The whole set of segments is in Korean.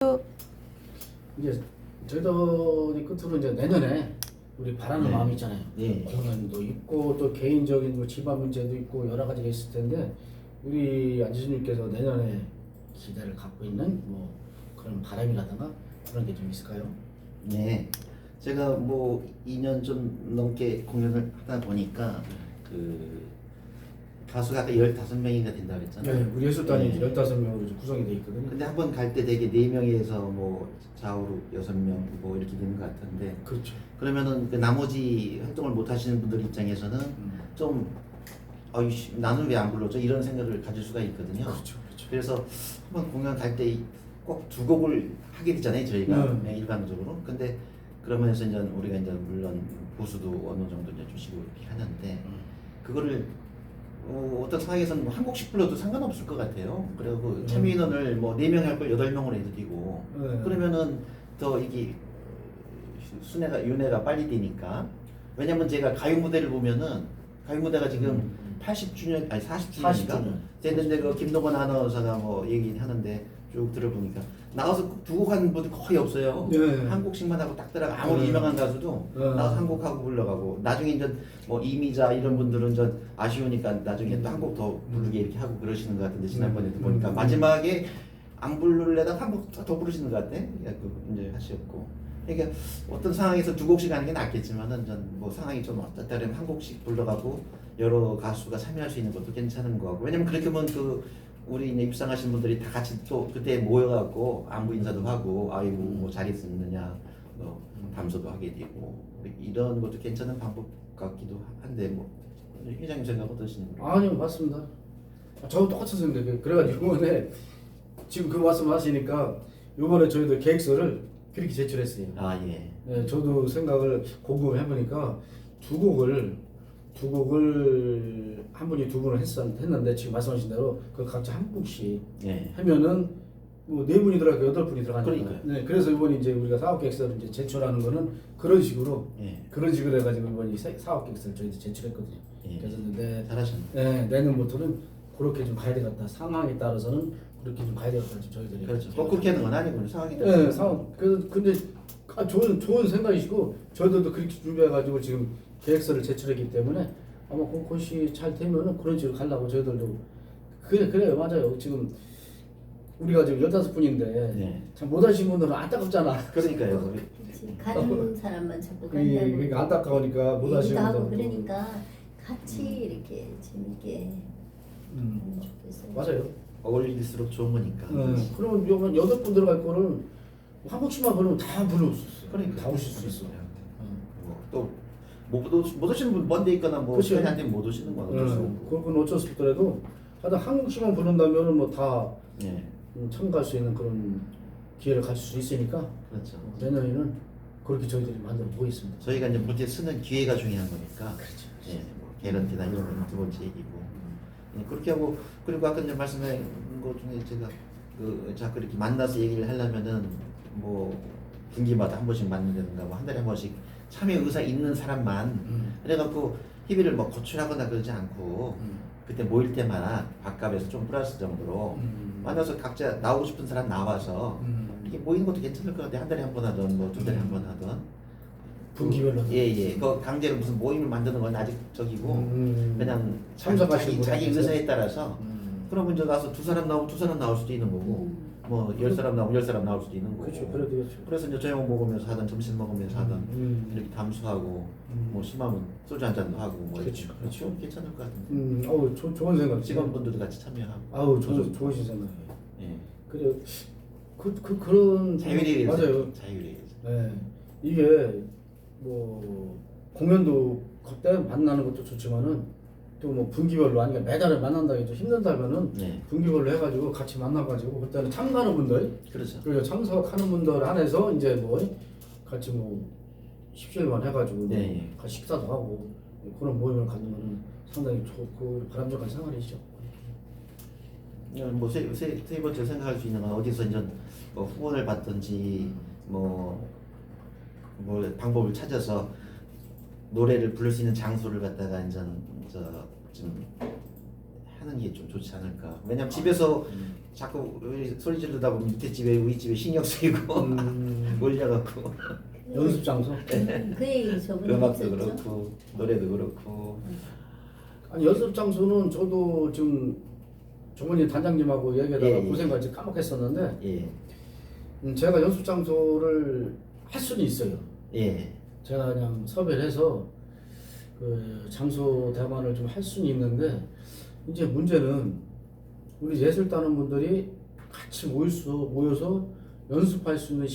큐. 이제 저희들이 끝으로 이제 내년에 우리 바라는 네. 마음이 있잖아요. 예. 공연도 있고 또 개인적인 뭐 집안 문제도 있고 여러 가지가 있을 텐데 우리 안지수님께서 내년에 기대를 갖고 있는 뭐 그런 바람이라든가 그런 게 좀 있을까요? 네. 제가 뭐 2년 좀 넘게 공연을 하다 보니까 그 가수가 아까 15명인가 된다 그랬잖아요. 네, 우리 예술단이 네. 15명으로 구성이 되어 있거든요. 근데 한 번 갈 때 되게 4명에서 뭐 좌우로 6명 뭐 이렇게 되는 것 같은데 그렇죠. 그러면은 그 나머지 활동을 못 하시는 분들 입장에서는 좀 나는 왜 안 불러줘? 이런 생각을 가질 수가 있거든요. 그렇죠, 그렇죠. 그래서 한번 공연 갈 때 꼭 2곡을 하게 되잖아요, 저희가 네. 일반적으로. 근데 그러면서 이제 우리가 이제 물론 보수도 어느 정도 이제 주시고 이렇게 하는데 그거를 어떤 상황에서는 뭐 한 곡씩 불러도 상관없을 것 같아요. 그리고 참여 인원을 뭐 4명 할 걸 8명으로 해도 되고 네. 그러면은 더 이게 윤회가 빨리 되니까. 왜냐면 제가 가요 무대를 보면은 가요 무대가 지금 80주년 아니 40주년인가 40주년. 됐는데 그 김동건 아나운서가 뭐 얘기하는데 쭉 들어보니까 나와서 두 곡 하는 분들 거의 없어요. 네. 한 곡씩만 하고 딱 들어가. 아무리 네. 유명한 가수도 네. 나와서 한 곡 하고 불러가고 나중에 이제 뭐 이미자 이런 분들은 좀 아쉬우니까 나중에 또 한 곡 더 부르게 이렇게 하고 그러시는 것 같은데 지난번에도 보니까 마지막에 안 부르려다가 한 곡 더 부르시는 것 같아. 이제 하셨고. 그러니까 어떤 상황에서 2곡씩 하는 게 낫겠지만은 전 뭐 상황이 좀 어떻다 그러면 한 곡씩 불러가고 여러 가수가 참여할 수 있는 것도 괜찮은 거 같고. 왜냐면 그렇게 하면 우리 이제 입상하신 분들이 다 같이 또 그때 모여갖고 안부 인사도 하고 아이고 뭐 잘 있었느냐 담소도 하게 되고 이런 것도 괜찮은 방법 같기도 한데 뭐 회장님 생각 어떠신가요? 아니요, 맞습니다. 저도 똑같이 생각해요. 그래가지고 이번에 지금 그 말씀하시니까 이번에 저희도 계획서를 그렇게 제출했어요. 아 예. 네, 저도 생각을 곰곰이 해보니까 두 곡을 한 분이 2분을 했는데 지금 말씀하신 대로 그 각자 한 곡씩 예. 하면은 뭐 4분이 들어가고 8분이 들어가니까. 그러니까요. 네, 그래서 이번에 이제 우리가 사업 계획서를 이제 제출하는 거는 그런 식으로 예. 해가지고 이번에 사업 계획서를 저희도 제출했거든요. 예. 그래서 이제 잘하셨네. 네, 내년부터는 그렇게 좀 가야 되겠다. 상황에 따라서는 그렇게 좀 가야 되겠다. 저희들이. 그렇죠. 꼭 그렇게 하는 건 아니고 상황이 네, 상황. 근데 좋은 생각이시고 저희들도 그렇게 준비해가지고 지금 계획서를 제출했기 때문에 아마 그것이 잘 되면은 그런 식으로 가려고 저희들도 그래요. 맞아요. 지금 우리가 지금 15분인데 네. 참 못하신 분들은 안타깝잖아. 그러니까 그렇지. 가는 사람만 자꾸 그러니까 간다고 안타까우니까 못하신 얘기도 하고 분들. 그러니까 같이 이렇게 재밌게 하면 좋겠어요. 맞아요. 어울릴수록 좋은 거니까. 그러면 요번 8분 들어갈 거는 한 곡씩만 부르면 다 부를 수 있어요. 그러니까 다 오실 수 있어. 또못 오시는 분 먼데 있거나 뭐 그치. 시간이 안 되면 못 오시는 건 어쩔 수 없고. 그건 어쩔 수 없더라도 하여튼 한 곡씩만 부른다면 뭐 다 예. 참가할 수 있는 그런 기회를 가질 수 있으니까 그렇죠. 내년에는 그렇게 저희들이 만들어 보겠습니다. 저희가 이제 무대 쓰는 기회가 중요한 거니까. 그렇죠. 예. 뭐 개런티나 이런 건 두 번째 얘기고. 예, 그렇게 하고 그리고 아까 이제 말씀하신 것 중에 제가 자꾸 이렇게 만나서 얘기를 하려면은 뭐 분기마다 한 번씩 만나든가 뭐 한 달에 한 번씩 참여 의사 있는 사람만 그래갖고 희비를 뭐 거출하거나 그러지 않고 그때 모일 때마다 밥값에서 좀 플러스 정도로 만나서 각자 나오고 싶은 사람 나와서 이렇게 모이는 것도 괜찮을 것 같아요. 한 달에 한 번 하든 뭐 2달에 한 번 하든 분기별로. 예예. 그 강제로 무슨 모임을 만드는 건 아직 적이고 그냥 참석하시는 자기 분한테. 의사에 따라서 그러면 이제 가서 2사람 나오면 2사람 나올 수도 있는 거고 뭐 10사람 나오면 10사람 나올 수도 있는 거고. 그렇죠. 그래도 그렇죠. 그래서 이제 저녁 먹으면서 하든 점심 먹으면서 하든 이렇게 담수하고 뭐 심하면 소주 한 잔도 하고 뭐 그렇죠. 이렇게. 그렇죠. 괜찮을 것 같은데. 어우 좋은 생각. 직원분들도 같이 참여하고. 아우 좋으신 생각이에요. 예. 그래 그런 자율에 맞아요. 자율에 네, 이게 뭐 공연도 그때 만나는 것도 좋지만은 또 뭐 분기별로 아니면 매달에 만난다 해도 힘든다면은 네. 분기별로 해가지고 같이 만나가지고 그때는 참가하는 분들 그렇죠. 그리고 참석하는 분들 안에서 이제 뭐 같이 뭐 십시일반 해가지고 네, 예. 같이 식사도 하고 그런 모임을 갖는 거는 상당히 좋고 바람직한 생활이죠. 뭐세 번째 생각할 수 있는 건 어디서 이제 뭐 후원을 받든지 뭐 방법을 찾아서 노래를 부를 수 있는 장소를 갖다가 이제 좀 하는 게 좀 좋지 않을까. 왜냐면 집에서 자꾸 소리 지르다 보면 밑에 집에 우리 집에 신경 쓰이고 몰려갖고 연습 장소. 그 얘기 저번에 음악도 했었죠. 그렇고 노래도 그렇고. 아니 연습 장소는 저도 지금 정원이 단장님하고 얘기하다가 예, 예. 고생까지 까먹겠었는데 예. 제가 연습 장소를 할 수는 있어요. 예. 제가 그냥 섭외를 해서 그 장소 대관을 좀 할 수는 있는데 이제 문제는 우리 예술단원 분들이 같이 모여서 연습할 수 있는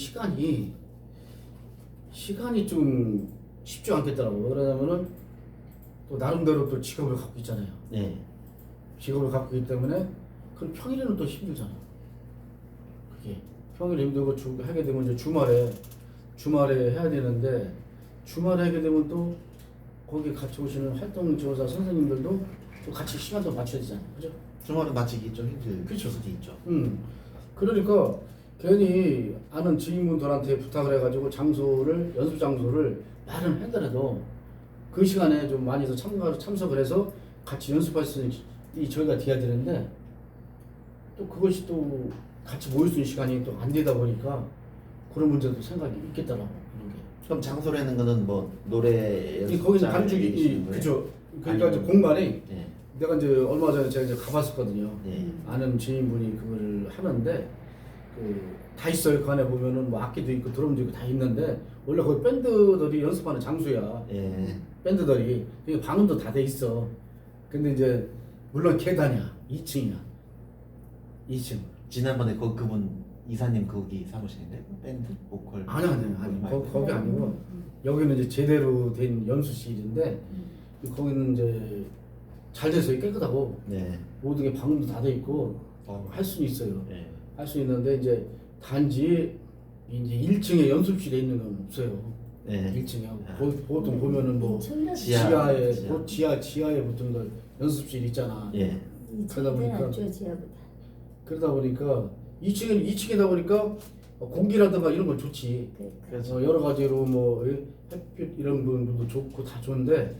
시간이 좀 쉽지 않겠더라고요. 그러냐면은 또 나름대로 또 직업을 갖고 있잖아요. 예. 직업을 갖고 있기 때문에 그럼 평일에는 또 힘들잖아요. 그게 평일에 힘들고 하게 되면 이제 주말에 해야 되는데 주말에 하게 되면 또 거기 같이 오시는 활동 지원사 선생님들도 또 같이 시간도 맞춰야 되잖아요. 그죠? 주말은 마치기 좀 힘들 그쵸. 수도 있죠. 그러니까 괜히 아는 지인분들한테 부탁을 해가지고 연습 장소를 마련하더라도 그 시간에 좀 많이 더 참석을 해서 같이 연습할 수 있는 이 저희가 돼야 되는데 또 그것이 또 같이 모일 수 있는 시간이 또 안 되다 보니까 그런 문제도 생각이 있겠더라고. 이런 게. 그럼 장소라는 거는 뭐 노래 거기서 반죽이 그죠. 그러니까 이제 공간이 예. 내가 이제 얼마 전에 제가 이제 가봤었거든요. 예. 아는 지인분이 그거를 하는데 다 있어요. 그 안에 보면은 뭐 악기도 있고 드럼도 있고 다 있는데 원래 거기 밴드들이 연습하는 장소야. 예. 밴드들이 그게 방음도 다 돼 있어. 근데 이제 물론 계단이야. 2층이야. 2층. 지난번에 그분 이사님 거기 사무실인데 밴드 보컬 아니 거기 아니고 여기는 이제 제대로 된 연수실인데 거기는 이제 잘 돼서 깨끗하고 네. 모든 게 방음도 다 돼 있고 할 수는 있어요. 네. 할 수 있는데 이제 단지 이제 1층에 연습실에 있는 건 없어요. 네. 1층에 보통 보면은 뭐 지하. 지하에 보통 거 연습실 있잖아. 예. 그러다 보니까 낫죠, 지하보다. 그러다 보니까 2층이다 보니까 공기라든가 이런 건 좋지. 그렇죠. 여러 가지로 뭐 햇빛 이런 부분도 좋고 다 좋은데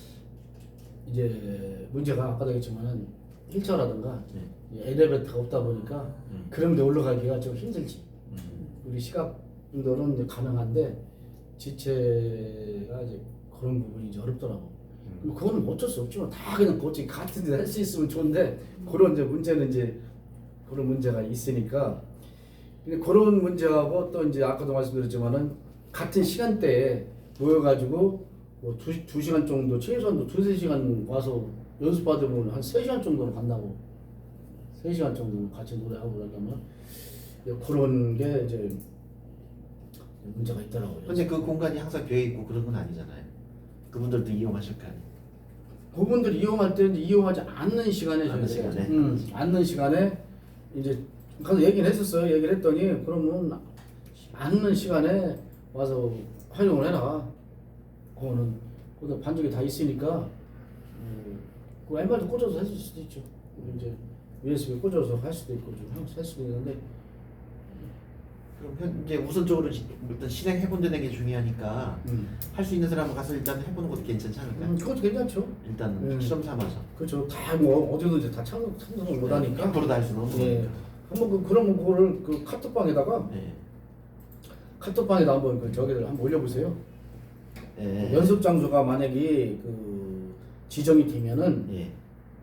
이제 문제가 아까도 얘기했지만은 휠체어라든가 엘리베이터가 없다 보니까 그런 데 올라가기가 좀 힘들지. 우리 시각분들은 이제 가능한데 지체가 이제 그런 부분이 이제 어렵더라고. 그거는 어쩔 수 없지만 다 그냥 거기 같은 데 할 수 있으면 좋은데 그런 이제 문제는 이제 그런 문제가 있으니까 근데 그런 문제하고 또 이제 아까도 말씀드렸지만은 같은 시간대에 모여가지고 뭐 두 시간 정도 최소한도 2-3시간 와서 연습받으면 한 3시간 정도는 간다고 3시간 정도 같이 노래하고 그러려면 그런 게 이제 문제가 있더라고요. 근데 그 공간이 항상 비어 있고 그런 건 아니잖아요. 그분들도 이용하실 거 아니에요. 그분들이 이용할 때는 이용하지 않는 시간에 줘야 돼요. 않는 시간에 이제 가서 얘기를 했었어요. 얘기를 했더니 그러면 않는 시간에 와서 활용을 해라. 그거는 거기다 반죽이 다 있으니까 그 왼발도 꽂아서 할 수도 있죠. 이제 USB 꽂아서 할 수도 있고 좀 할 수도 있는데 그럼 현재 우선적으로 일단 실행해본다는 게 중요하니까 할 수 있는 사람은 가서 일단 해보는 것도 괜찮지 않을까요? 그것도 괜찮죠. 일단 실험 삼아서. 그렇죠. 다 뭐 어디든지 다 참석을 못하니까. 100%다 할 수는 없는 예. 거니까. 한번 그러면 그거를 그 카톡방에다가 예. 카톡방에다 한번 저기를 한번 올려보세요. 예. 연습 장소가 만약에 그 지정이 되면은 예.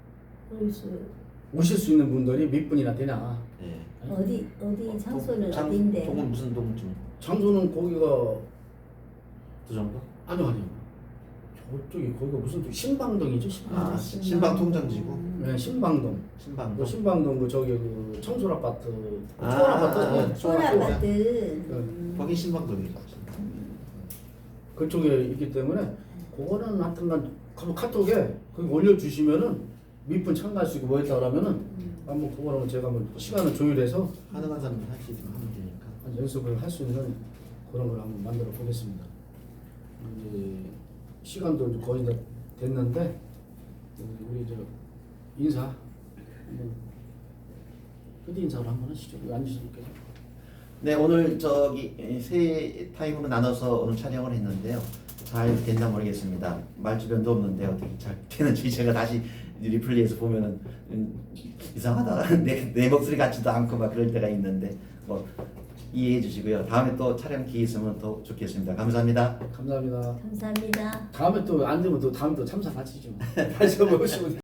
오실 수 있는 분들이 몇 분이나 되나? 예. 어디 장소는 장- 어디인데? 동은 무슨 동쯤? 장소는 거기가 그 정도? 아니요. 저쪽이 거기가 무슨 또 신방동이죠? 신방동. 아, 신방 통장지구? 네, 신방동. 신방. 그 신방동 그 저기 그 청솔 아파트, 아, 초월 아파트, 초월 아파트. 거기 신방동이죠. 그쪽에 있기 때문에 그거는 하여튼간 카톡에 거기 올려주시면은 몇 분 참가할 수 있고 뭐 했다 그러면은 한번 그거는 제가 한번 시간을 조율해서 가능한 사람은 할 수 있으면 하면 되니까. 한 연습을 할 수 있는 그런 걸 한번 만들어 보겠습니다. 이제 시간도 이제 거의 다 됐는데 우리 저 인사 한번 끝 인사를 한번 하시죠. 앉으시니까. 네, 오늘 저기 세 타임으로 나눠서 오늘 촬영을 했는데요. 잘 됐나 모르겠습니다. 말주변도 없는데 어떻게 잘 되는지 제가 다시 리플레이에서 보면은 이상하다 내 목소리 같지도 않고 막 그럴 때가 있는데 뭐 이해해 주시고요. 다음에 또 촬영 기회 있으면 더 좋겠습니다. 감사합니다. 감사합니다. 감사합니다. 다음에 또 안 되면 또 다음에 또 참석하시죠. 다시 한번 오시면